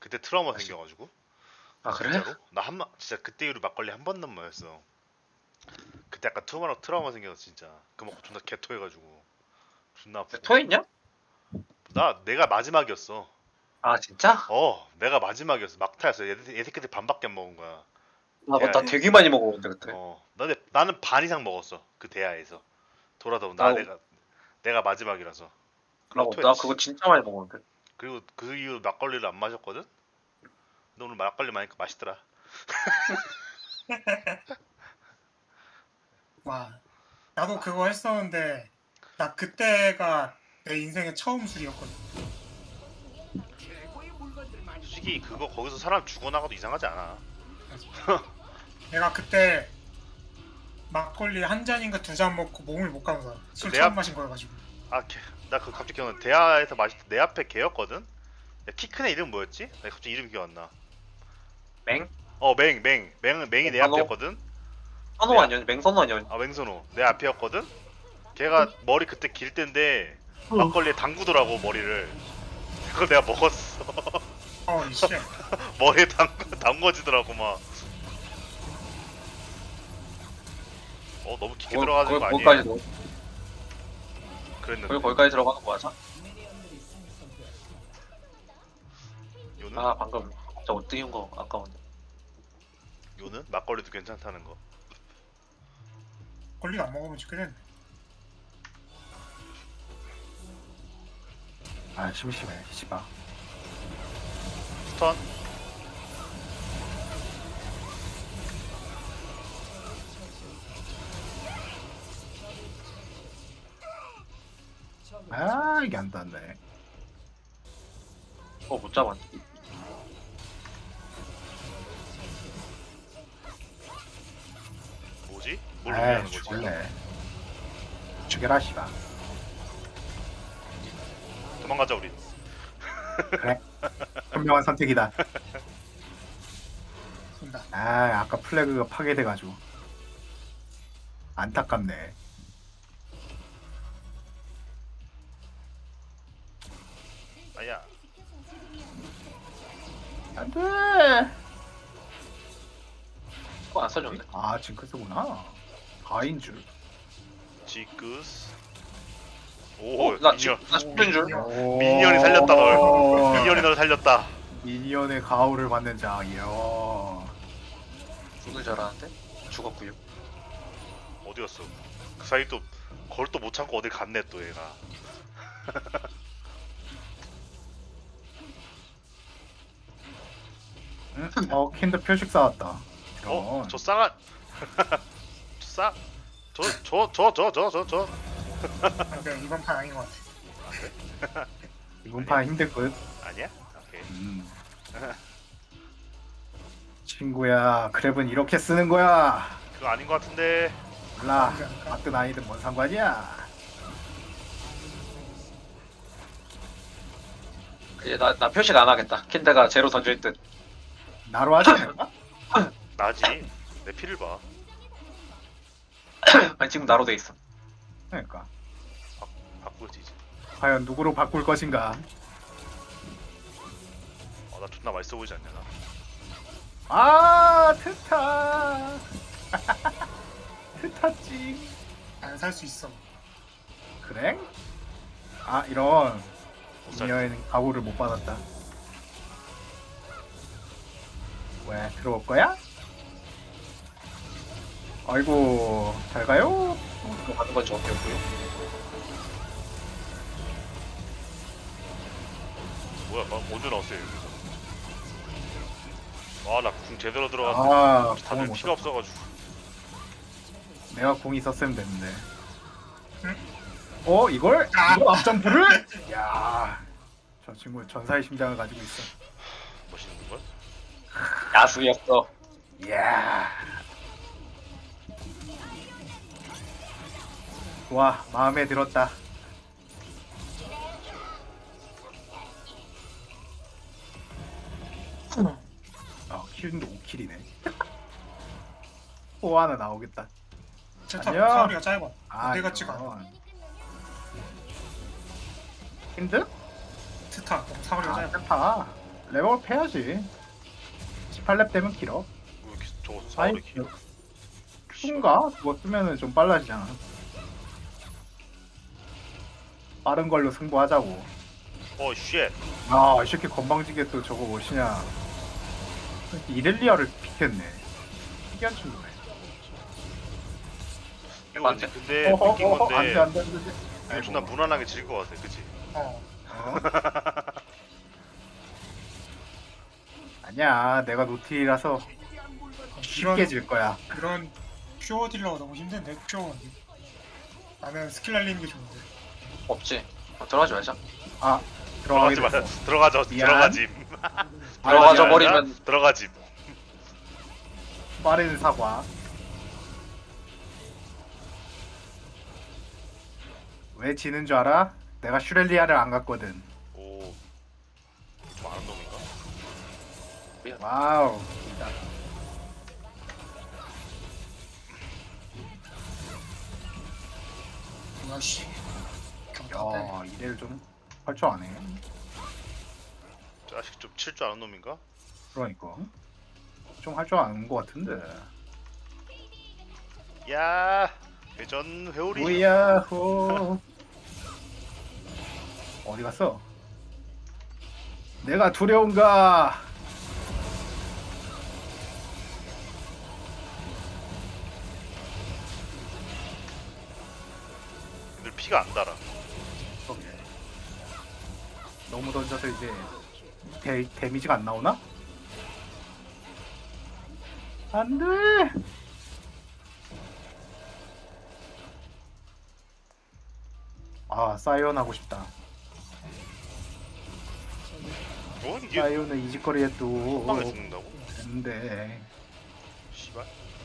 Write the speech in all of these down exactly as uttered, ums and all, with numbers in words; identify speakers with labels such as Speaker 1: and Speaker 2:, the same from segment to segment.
Speaker 1: 그때 트라우마
Speaker 2: 아, 진-
Speaker 1: 생겨가지고.
Speaker 2: 아 그래?
Speaker 1: 진짜로? 나 한 번 진짜 그때 이후로 막걸리 한 번도 안 마셨어. 그때 약간 트라우마 트라우마 생겨서 진짜 그 먹고 존나 개토해가지고 존나 아프고.
Speaker 2: 토했냐?
Speaker 1: 나 내가 마지막이었어.
Speaker 2: 아 진짜?
Speaker 1: 어, 내가 마지막이었어. 막타였어. 얘, 얘 새끼들 반밖에 안 먹은 거야.
Speaker 2: 나, 나
Speaker 1: 대하에서.
Speaker 2: 되게 많이 먹었는데 그때.
Speaker 1: 어, 나 나는 반 이상 먹었어. 그 대하에서. 돌아다 나
Speaker 2: 나
Speaker 1: 내가 내가 마지막이라서. 그러고
Speaker 2: 나, 나
Speaker 1: 토했지.
Speaker 2: 그거 진짜 많이 먹었는데.
Speaker 1: 그리고 그 이후 막걸리를 안 마셨거든. 근데 오늘 막걸리 마니까 맛있더라.
Speaker 3: 와, 나도 그거 했었는데 나 그때가 내 인생의 처음 술이었거든.
Speaker 1: 솔직히 그거 거기서 사람 죽어나가도 이상하지 않아.
Speaker 3: 내가 그때 막걸리 한 잔인가 두 잔 먹고 몸을 못 감아. 술
Speaker 1: 내
Speaker 3: 처음
Speaker 1: 앞-
Speaker 3: 마신 거여가지고.
Speaker 1: 아, 나 그 갑자기 기억나. 대하에서 마실 때 내 앞에 걔였거든. 야, 키 큰 애 이름 뭐였지? 나 갑자기 이름 기억 안 나.
Speaker 2: 맹?
Speaker 1: 어, 맹, 맹, 맹, 맹이 내
Speaker 2: 어, 선호?
Speaker 1: 앞이었거든.
Speaker 2: 선호
Speaker 1: 네.
Speaker 2: 아니었니? 맹선호 아니었니?
Speaker 1: 아, 맹선호 내 앞이었거든. 걔가 머리 그때 길 때인데 막걸리에 담그더라고 머리를. 그걸 내가 먹었어.
Speaker 3: 어, 이씨.
Speaker 1: 머리에 담궈 담궈지더라고 막. 어, 너무 깊게 들어가는 거 아니에요?
Speaker 2: 거기까지 넣-
Speaker 1: 그랬는데.
Speaker 2: 거기 거기까지 들어가는 거야, 자?
Speaker 1: 요는
Speaker 2: 아 방금 진짜 못 띄운 거 아까웠네.
Speaker 1: 요는 막걸리도 괜찮다는 거.
Speaker 3: 걸리가 안 먹으면 죽겠네.
Speaker 4: 아 심심해 씨발.
Speaker 1: 스턴.
Speaker 4: 아 이게 안 닿네.
Speaker 2: 어못 잡았네.
Speaker 1: 뭐지? 뭘
Speaker 4: 아이
Speaker 1: 의미하는 거지?
Speaker 4: 죽을래. 죽여라 씨발.
Speaker 1: 도망가자 우리.
Speaker 4: 그래. 현명한 선택이다.
Speaker 3: 쏜다.
Speaker 4: 아 아까 플래그가 파괴돼가지고 안타깝네.
Speaker 1: 아야.
Speaker 4: 안돼.
Speaker 2: 그거 안 써줬네.
Speaker 4: 아 징크스구나. 가인 줄.
Speaker 1: 지크스. 오,
Speaker 2: 어, 나
Speaker 1: 미니언.
Speaker 2: 지금 나 죽는 줄.
Speaker 4: 오.
Speaker 1: 미니언이 살렸다, 널. 미니언이 널 살렸다.
Speaker 4: 미니언의 가호를 받는 자. 이야.
Speaker 2: 죽는 줄 알았는데 죽었구요.
Speaker 1: 어디 갔어? 그 사이 또 그걸 또 못 참고 어딜 갔네 또 얘가.
Speaker 4: 응? 어 킨드 표식 쌓았다.
Speaker 1: 어?
Speaker 4: 이런.
Speaker 1: 저 쌍한. 저 쌍. 저저 저 저 저 저 저.
Speaker 3: 아, 근데 이번 판 아닌 것 같아.
Speaker 4: 이번 판 힘들 듯.
Speaker 1: 아니야? 오케이.
Speaker 4: 음. 친구야, 그랩은 이렇게 쓰는 거야.
Speaker 1: 그거 아닌 것 같은데.
Speaker 4: 몰라, 맞든 아니든 뭔 상관이야.
Speaker 2: 이제 나, 나 표식 안 하겠다. 킨드가 제로 던질 듯.
Speaker 4: 나로 하지 않을까?
Speaker 1: 나지. 내 피를 봐.
Speaker 2: 아니 지금 나로 돼 있어.
Speaker 4: 그러니까
Speaker 1: 바꾸지 이제.
Speaker 4: 과연 누구로 바꿀 것인가?
Speaker 1: 어, 나 존나 맛있어 보이지 않냐 나.
Speaker 4: 아, 트타. 트타찡.
Speaker 3: 안 살 수 있어.
Speaker 4: 그래? 아, 이런
Speaker 1: 못 살.
Speaker 4: 미녀에는 각오를 못 받았다. 왜 들어올 거야? 아이고, 잘 가요.
Speaker 2: 그거 하는 건 저기였고요.
Speaker 1: 뭐야? 나 언제 나왔어요 여기서? 와, 나 궁 제대로 들어갔는데
Speaker 4: 아, 공을
Speaker 1: 다들
Speaker 4: 못
Speaker 1: 피가
Speaker 4: 썼다.
Speaker 1: 없어가지고.
Speaker 4: 내가 공이 있었으면 됐는데.
Speaker 3: 응?
Speaker 4: 어 이걸?
Speaker 3: 아.
Speaker 4: 이걸 앞점프를? 야, 저 친구 전사의 심장을 가지고 있어.
Speaker 1: 멋있는 걸?
Speaker 2: 야수였어.
Speaker 4: 이야. 와, 마음에 들었다. 아, 킬도 오 킬이네. 또 하나 나오겠다.
Speaker 3: 제타
Speaker 4: 아니야.
Speaker 3: 사거리가 짧아.
Speaker 4: 아,
Speaker 3: 내가 찍어.
Speaker 4: 이건. 힌드?
Speaker 3: 트타 너무 사거리가
Speaker 4: 아,
Speaker 3: 짧아.
Speaker 4: 페파. 레벨업 해야지. 십팔 렙 되면 길어.
Speaker 1: 왜 이렇게 저거
Speaker 4: 아이,
Speaker 1: 싸우래 기
Speaker 4: 큐인가? 그거 쓰면은 좀 빨라지잖아. 빠른 걸로 승부하자고.
Speaker 1: 어 쉣.
Speaker 4: 아, 이 새끼 건방지게 또 저거 무엇이냐. 이렐리아를 픽했네. 특이한 친구네.
Speaker 1: 이거
Speaker 2: 맞지?
Speaker 1: 근데, 근데
Speaker 4: 어허,
Speaker 1: 느낀
Speaker 4: 어허,
Speaker 1: 건데
Speaker 4: 안 돼, 안 돼, 안 돼.
Speaker 1: 이거
Speaker 4: 아이고.
Speaker 1: 존나 무난하게 질 것 같아 그치?
Speaker 3: 어.
Speaker 4: 어? 아니야, 내가 노틸이라서 쉽게
Speaker 3: 이런
Speaker 4: 질 거야.
Speaker 3: 이런 퓨어 딜러가 너무 힘든데 퓨어. 나는 스킬 날리는 게 좋은데.
Speaker 2: 없지. 어, 들어가지 말자.
Speaker 4: 아, 들어가게
Speaker 1: 들어가지 마.
Speaker 4: 됐어.
Speaker 1: 들어가져.
Speaker 4: 미안.
Speaker 1: 들어가짐.
Speaker 2: 들어가져
Speaker 4: 미안하다.
Speaker 2: 버리면
Speaker 1: 들어가짐.
Speaker 4: 빠른 사과. 왜 지는 줄 알아? 내가 슈렐리아를 안 갔거든.
Speaker 1: 오. 좀 아는 놈인가?
Speaker 4: 와우. 진짜.
Speaker 3: 뭐야 씨. 경탄대.
Speaker 4: 야, 이래를 좀 할 줄 아네.
Speaker 1: 자식 좀 칠 줄 아는 놈인가?
Speaker 4: 그러니까 좀 할 줄 아는 것 같은데.
Speaker 1: 야. 회전 회오리.
Speaker 4: 우야호. 어디 갔어? 내가 두려운가?
Speaker 1: 애들 피가 안 달아.
Speaker 4: 너무 던져서 이제 데, 데미지가 안 나오나? 안 돼! 아, 사이온 하고 싶다.
Speaker 1: 뭐 이게
Speaker 4: 사이온은 이직거리에 또
Speaker 1: 빵에 죽는다고?
Speaker 4: 됐는데.
Speaker 1: 씨발.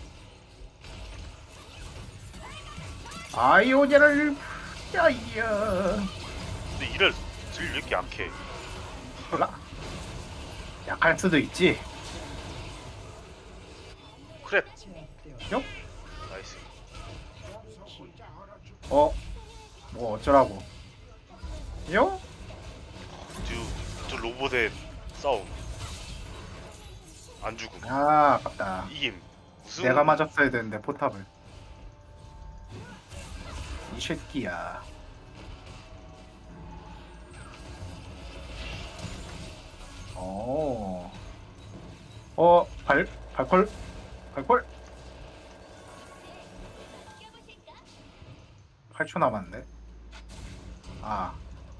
Speaker 4: 아이오니를 야이야.
Speaker 1: 근데 이를 질 왜 이렇게 약해?
Speaker 4: 몰라. 약할 수도 있지.
Speaker 1: 크랩.
Speaker 4: 요?
Speaker 1: 나이스.
Speaker 4: 어? 뭐 어쩌라고? 요?
Speaker 1: 두, 두 로봇의 싸움. 안 죽음.
Speaker 4: 아, 아깝다.
Speaker 1: 이김. 우승.
Speaker 4: 내가 맞았어야 되는데 포탑을. 이 새끼야. 어. 어, 발 발콜 발콜. 팔 초 남았는데. 아.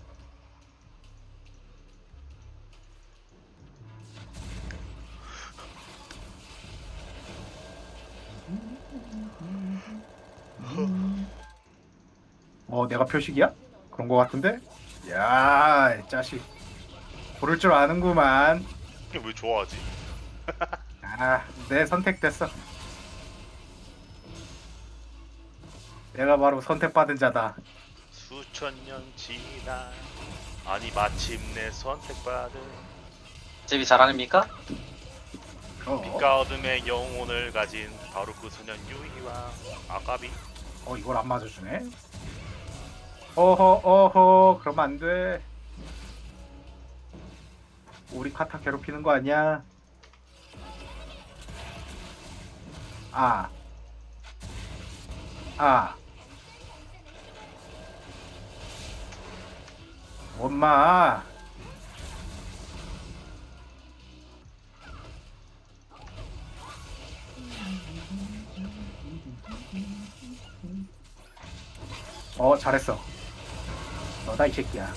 Speaker 4: 어, 내가 표식이야? 그런 거 같은데? 야, 이 자식. 고를 줄 아는구만.
Speaker 1: 이게 왜 좋아하지?
Speaker 4: 아, 내 선택됐어. 내가 바로 선택받은 자다.
Speaker 1: 수천 년 지나 아니 마침내 선택받은
Speaker 2: 집이 잘하십니까?
Speaker 4: 어,
Speaker 1: 빛과 어둠의 영혼을 가진 바로 그 소년 유이와 아가비.
Speaker 4: 어 이걸 안 맞아주네. 어허, 어허, 그러면 안 돼. 우리 카타 괴롭히는 거 아니야? 아, 아, 엄마. 어, 잘했어. 너다 이 새끼야.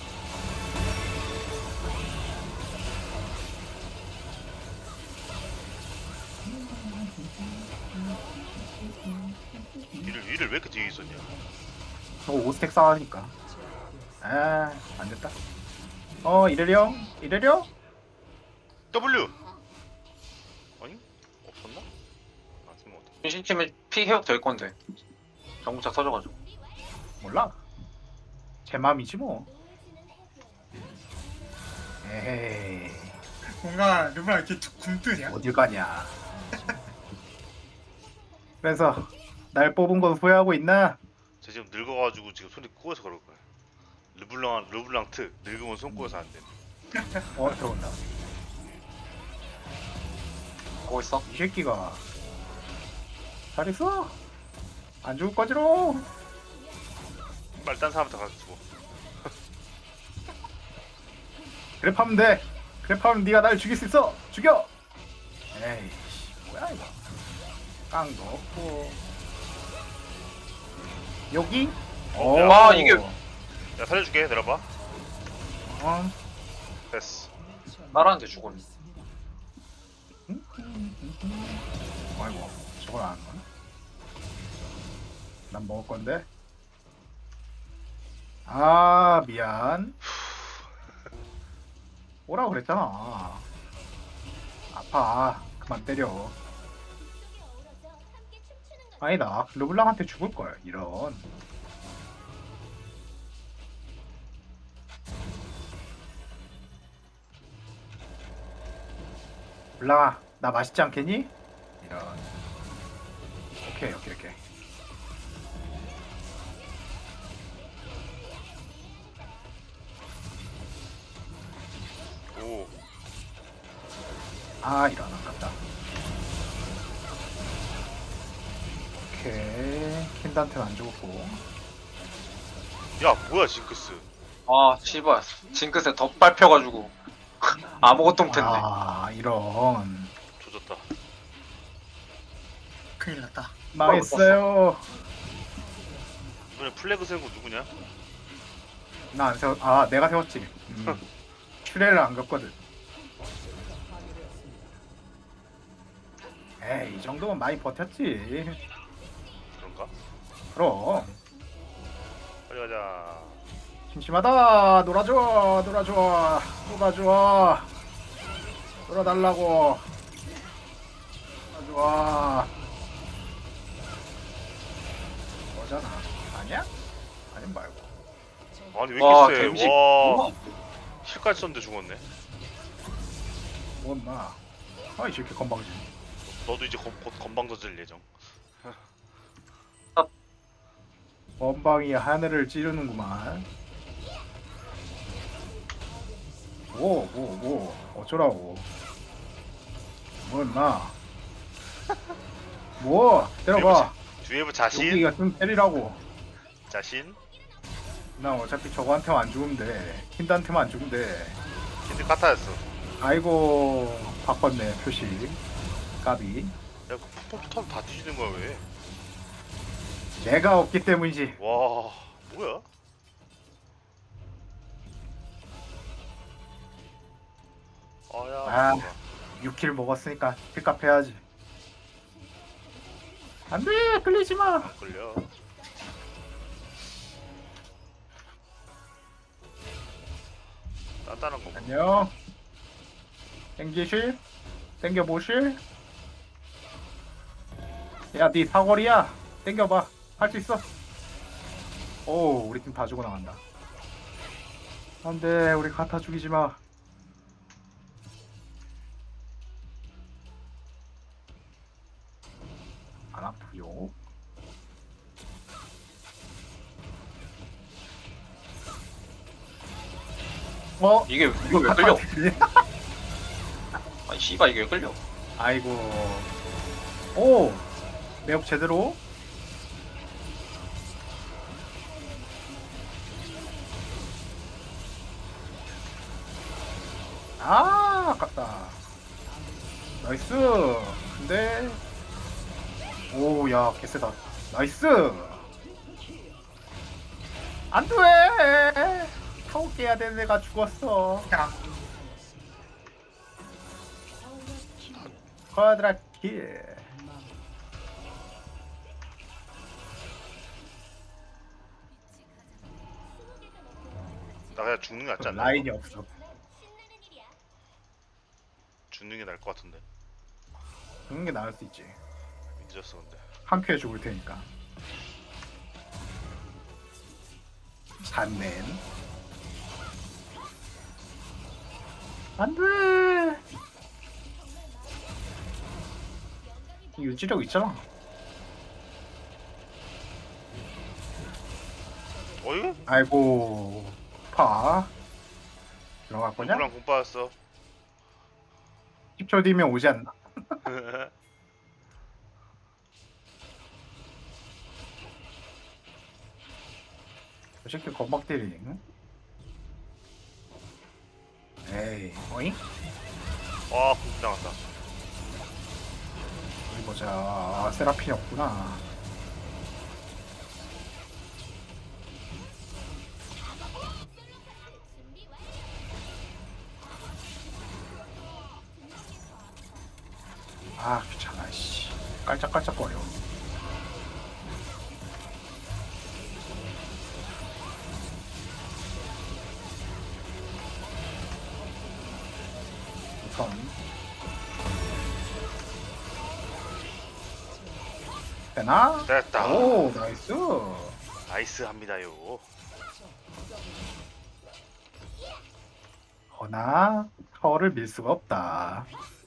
Speaker 1: 이를 이를 왜 이렇게 뒤에 있었냐?
Speaker 4: 저 오 스택 쌓으니까. 아, 안 됐다. 어, 이래려? 이래려?
Speaker 1: W. 아니 없었나? 아 지금 어떻게?
Speaker 2: 신심팀이 피 회복 될 건데. 정부착 터져가지고.
Speaker 4: 몰라. 제 맘이지 뭐. 에헤이,
Speaker 3: 뭔가 르브랑 이렇게 굼뜨냐?
Speaker 4: 어딜 가냐. 그래서 날 뽑은 건 후회하고 있나?
Speaker 1: 쟤 지금 늙어가지고 지금 손이 꼬여서 그럴 거야. 르블랑 르블랑 트 늙으면 손 꼬여서 안 돼.
Speaker 4: 어 들어온다.
Speaker 2: 보고 있어.
Speaker 4: 이 새끼가 잘 있어. 안 죽을 거지로.
Speaker 1: 빨리 딴 사람한테 가서 주고.
Speaker 4: 그랩하면 돼. 그랩하면 네가 날 죽일 수 있어. 죽여. 에이씨 뭐야 이거. 깡도 없고. 여기? 오.
Speaker 2: 아, 이게-
Speaker 1: 야 살려줄게. 내려봐.
Speaker 4: 어.
Speaker 1: 됐어.
Speaker 2: 따라하는데 죽었네.
Speaker 4: 아이고 저걸 안 하나? 난 먹을 건데. 아 미안. 오라고 그랬잖아. 아파. 그만 때려. 아니다. 르블랑한테 죽을 걸. 이런. 블랑아, 나 맛있지 않겠니? 이런. 오케이, 오케이, 오케이.
Speaker 1: 오.
Speaker 4: 아, 이런 아깝다. 오케이. 킨단테는 안 죽었고.
Speaker 1: 야 뭐야 징크스.
Speaker 2: 아, 씨발. 징크스에 덧 밟혀가지고. 아무것도 못했네.
Speaker 4: 아, 이런.
Speaker 1: 조졌다.
Speaker 3: 큰일 났다.
Speaker 4: 망했어요.
Speaker 1: 이번에 플래그 세운 거 누구냐?
Speaker 4: 나 안 세웠. 아, 내가 세웠지. 음. 큐레를 안 갔거든. 에이, 이 정도면 많이 버텼지.
Speaker 1: 그런가?
Speaker 4: 그럼.
Speaker 1: 빨리 가자.
Speaker 4: 심심하다. 놀아줘, 놀아줘, 놀아줘. 놀아달라고. 놀아줘. 뭐잖아. 아니야? 아님 말고.
Speaker 1: 아니 왜
Speaker 2: 와,
Speaker 1: 이렇게
Speaker 2: 댐지.
Speaker 1: 세? 와.
Speaker 2: 우와.
Speaker 1: 힐까지 썼는데 죽었네.
Speaker 4: 뭔마. 아이 저렇게 건방지.
Speaker 1: 너도 이제 곧, 곧 건방 져질 예정.
Speaker 4: 건방이 하늘을 찌르는구만. 뭐, 뭐, 뭐, 어쩌라고. 뭐, 임마. 뭐, 때려봐.
Speaker 1: 뒤에부 자신?
Speaker 4: 여기가 좀 때리라고.
Speaker 1: 자신?
Speaker 4: 나 어차피 저거한테만 안 죽으면 돼. 킨드한테만 안 죽으면 돼.
Speaker 1: 힌트 카타였어.
Speaker 4: 아이고, 바꿨네, 표시. 까비.
Speaker 1: 야, 그 펌프 턴 다 뒤지는 거야 왜?
Speaker 4: 내가 없기 때문이지.
Speaker 1: 와, 뭐야? 아야.
Speaker 4: 아.
Speaker 1: 뭐야.
Speaker 4: 육 킬 먹었으니까 킬값 해야지. 안 돼! 끌리지 마!
Speaker 1: 안 끌려. 단단한 거. 뭐.
Speaker 4: 안녕. 땡기실? 땡겨보실? 야, 니 사거리야. 땡겨봐. 할 수 있어. 오, 우리 팀 다 죽어 나간다. 안 돼, 우리 가타 죽이지 마. 안 아프요. 어?
Speaker 2: 이게, 이거 왜 끌려? 아니, 씨발, 이게 왜 끌려?
Speaker 4: 아이고. 오! 매혹 제대로? 아, 아깝다. 나이스. 근데 오, 야, 개쎄다. 나이스. 안 돼. 타고 깨야 되는 애가 죽었어.
Speaker 3: 야,
Speaker 4: 쿼드라킬.
Speaker 1: 나 그냥 죽는 게 낫지 않나?
Speaker 4: 라인이 없어.
Speaker 1: 죽는 게 나을 것 같은데.
Speaker 4: 그런 게 나을 수 있지.
Speaker 1: 늦었어 근데.
Speaker 4: 한 큐에 죽을 테니까. 잔넨. 안 돼. 유지력 있잖아.
Speaker 1: 어이?
Speaker 4: 아이고, 파. 들어갈 거냐?
Speaker 1: 누구랑 공 빠졌어?
Speaker 4: 십 초 뒤면 오지 않나? 저 새끼 건박대리. 응? 에이, 어잉?
Speaker 1: 와공 나갔다.
Speaker 4: 어디 보자. 아, 세라핀이 없구나. 아, 귀찮아, 씨. 깔짝깔짝거려. 우선. 되나?
Speaker 1: 됐다.
Speaker 4: 오, 나이스.
Speaker 1: 나이스 합니다요.
Speaker 4: 허나, 타워를 밀 수가 없다.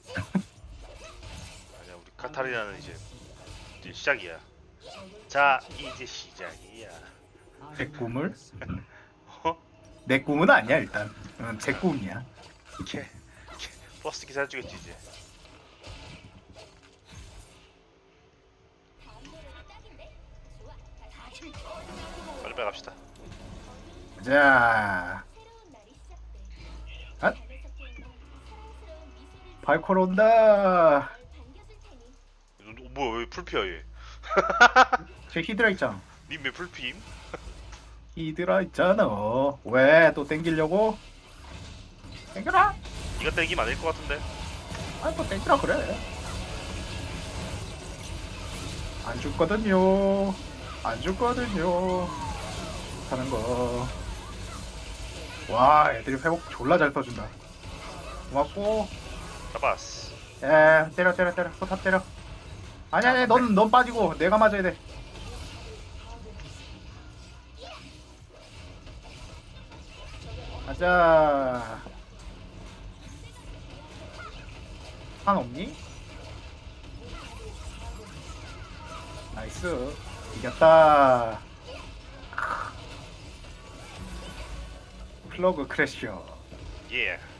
Speaker 1: 아니야 우리 카타리나는 이제 이제 시작이야. 자 이제 시작이야.
Speaker 4: 내 꿈을?
Speaker 1: 어?
Speaker 4: 내 꿈은 아니야, 일단. 응, 제 꿈이야.
Speaker 1: 캐, 캐 버스 기사 주겠지 이제. 빨리 빨리 갑시다.
Speaker 4: 자, 아? 발콜 온다.
Speaker 1: 너, 뭐야 왜 풀피야 얘?
Speaker 4: 제 히드라 있잖아.
Speaker 1: 님왜 풀피임?
Speaker 4: 히드라 있잖아. 왜 또 땡기려고? 땡겨라.
Speaker 1: 니가 때리기면 아닐 것 같은데.
Speaker 4: 아니 뭐 땡기라 그래. 안 죽거든요. 안 죽거든요. 하는 거. 와, 애들이 회복 졸라 잘 써준다. 고맙고.
Speaker 1: 잡았어.
Speaker 4: 에, 때려 때려 때려. 포탑 때려. 아니 아니, 넌 넌 빠지고 내가 맞아야 돼. 가자. 한 없니? 나이스. 이겼다. 플러그 크래쉬어.
Speaker 1: 예.